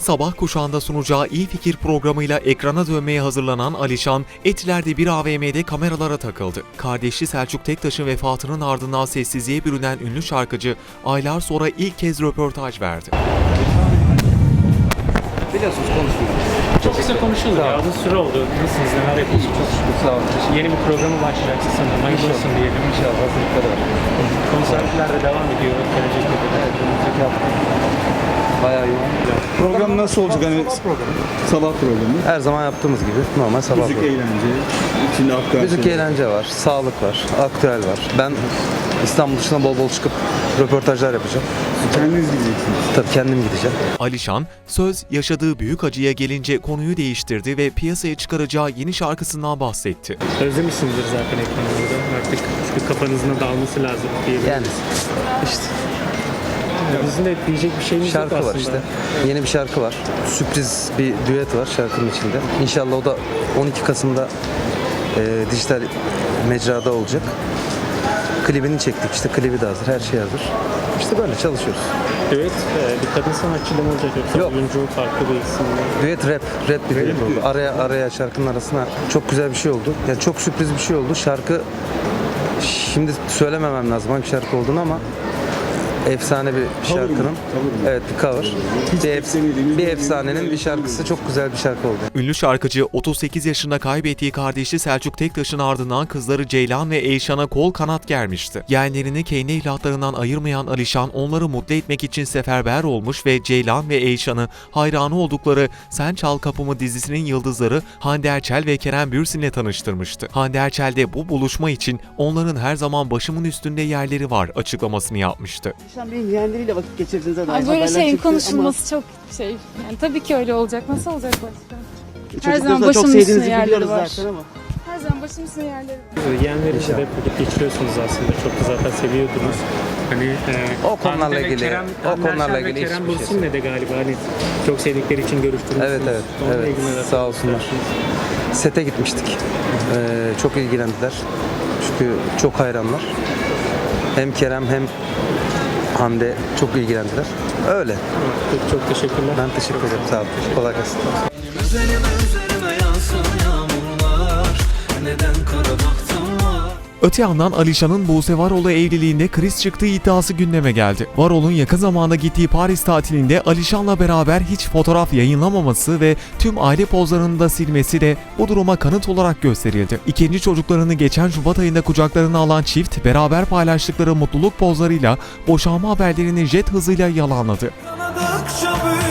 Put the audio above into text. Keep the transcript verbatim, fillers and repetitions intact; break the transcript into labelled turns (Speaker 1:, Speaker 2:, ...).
Speaker 1: Sabah kuşağında sunacağı İyi Fikir programıyla ekrana dönmeye hazırlanan Alişan, Etiler'de bir A V M'de kameralara takıldı. Kardeşi Selçuk Tektaş'ın vefatının ardından sessizliğe bürünen ünlü şarkıcı, aylar sonra ilk kez röportaj verdi.
Speaker 2: Biliyorsunuz konuşmuyoruz.
Speaker 3: Çok kısa konuşuldu ya. Uzun süre oldu. Nasılsınız? Neler yapıyorsunuz?
Speaker 2: Çok şükür, sağ olun.
Speaker 3: Yeni bir programı başlayacaksın sanırım. Hayırlı olsun diyelim.
Speaker 2: İnşallah hazırlıkları var.
Speaker 3: Konserler de devam ediyor. Gelecek de.
Speaker 2: Evet, önümüzdeki hafta bayağı yoğun.
Speaker 4: Program nasıl olacak? Hani sabah programı.
Speaker 2: Her zaman yaptığımız gibi normal sabah
Speaker 4: Müzik
Speaker 2: programı.
Speaker 4: eğlence, içinde aktüel
Speaker 2: Müzik
Speaker 4: şeyler.
Speaker 2: eğlence var, sağlık var, aktüel var. Ben İstanbul dışına bol bol çıkıp röportajlar yapacağım.
Speaker 4: Kendiniz gideceksiniz.
Speaker 2: Tabii kendim gideceğim.
Speaker 1: Alişan, söz yaşadığı büyük acıya gelince konuyu değiştirdi ve piyasaya çıkaracağı yeni şarkısından bahsetti.
Speaker 3: Özlemişsinizdir zaten ekranlarda. Artık çünkü kafanızın dağılması lazım diyebiliriz.
Speaker 2: Yani işte
Speaker 3: Bizim de diyecek bir şeyimiz
Speaker 2: şarkı
Speaker 3: yok
Speaker 2: var
Speaker 3: aslında.
Speaker 2: işte. Yeni bir şarkı var. Sürpriz bir düet var şarkının içinde. İnşallah o da on iki Kasım'da e, dijital mecrada olacak. Klibini çektik işte, klibi de hazır, her şey hazır. İşte böyle çalışıyoruz.
Speaker 3: Evet, bir kadın sanatçı da mı olacak yoksa
Speaker 2: Yok.
Speaker 3: oyuncu farklı bir isimle?
Speaker 2: Düet rap, rap bir düet oldu. Araya araya şarkının arasına çok güzel bir şey oldu. Yani çok sürpriz bir şey oldu. Şarkı şimdi söylememem lazım hangi şarkı olduğunu ama efsane bir şarkının. Evet, bir cover. Bir, ef- bir efsanenin bir şarkısı, çok güzel bir şarkı oldu.
Speaker 1: Ünlü şarkıcı otuz sekiz yaşında kaybettiği kardeşi Selçuk Tektaş'ın ardından kızları Ceylan ve Eyşan'a kol kanat germişti. Yeğenlerini kendi evlatlarından ayırmayan Alişan onları mutlu etmek için seferber olmuş ve Ceylan ve Eyşan'ı hayranı oldukları Sen Çal Kapımı dizisinin yıldızları Hande Erçel ve Kerem Bürsin'le tanıştırmıştı. Hande Erçel de bu buluşma için onların her zaman başımın üstünde yerleri var açıklamasını yapmıştı.
Speaker 5: Alişan Bey'in yeğenleriyle vakit geçirdiğinize dair
Speaker 6: Ay, böyle
Speaker 5: haberler
Speaker 6: şeyin
Speaker 5: çıktı
Speaker 6: konuşulması çok şey. Yani tabii ki öyle olacak. Nasıl olacak başka?
Speaker 5: ama
Speaker 6: Her zaman
Speaker 5: çocuklarınızla çok
Speaker 6: başımın üstüne
Speaker 5: sevdiğinizi
Speaker 6: yerleri
Speaker 5: biliyoruz
Speaker 6: var.
Speaker 5: zaten ama.
Speaker 6: Her zaman başımın üstüne yerleri var.
Speaker 3: Yeğenlerinizle de vakit geçiriyorsunuz aslında. Çok da zaten seviyordunuz. Hani e,
Speaker 2: O konularla
Speaker 3: Hande ve
Speaker 2: ilgili-
Speaker 3: Kerem,
Speaker 2: o
Speaker 3: Hande
Speaker 2: konularla
Speaker 3: Erçel ve
Speaker 2: ilgili
Speaker 3: Kerem
Speaker 2: hiçbir şey
Speaker 3: Bürsin'le de galiba hani çok sevdikleri için görüştürmüşsünüz.
Speaker 2: Evet, evet,
Speaker 3: Onunla
Speaker 2: evet.
Speaker 3: ilgili neler
Speaker 2: Sağ olsunlar.
Speaker 3: söylersiniz?
Speaker 2: Sete gitmiştik. Ee, çok ilgilendiler. Çünkü çok hayranlar. Hem Kerem hem Hande çok ilgilendiler. Öyle.
Speaker 3: Çok, çok teşekkürler.
Speaker 2: Ben teşekkür ederim. Sağ olun. Kolay gelsin.
Speaker 7: Üzerime üzerime yağsın yağmurlar. Neden kara baktım var?
Speaker 1: Öte yandan Alişan'ın Buse Varol'la evliliğinde kriz çıktığı iddiası gündeme geldi. Varol'un yakın zamanda gittiği Paris tatilinde Alişan'la beraber hiç fotoğraf yayınlamaması ve tüm aile pozlarını da silmesi de bu duruma kanıt olarak gösterildi. İkinci çocuklarını geçen Şubat ayında kucaklarına alan çift beraber paylaştıkları mutluluk pozlarıyla boşanma haberlerini jet hızıyla yalanladı.
Speaker 7: Kanadıkça büyür.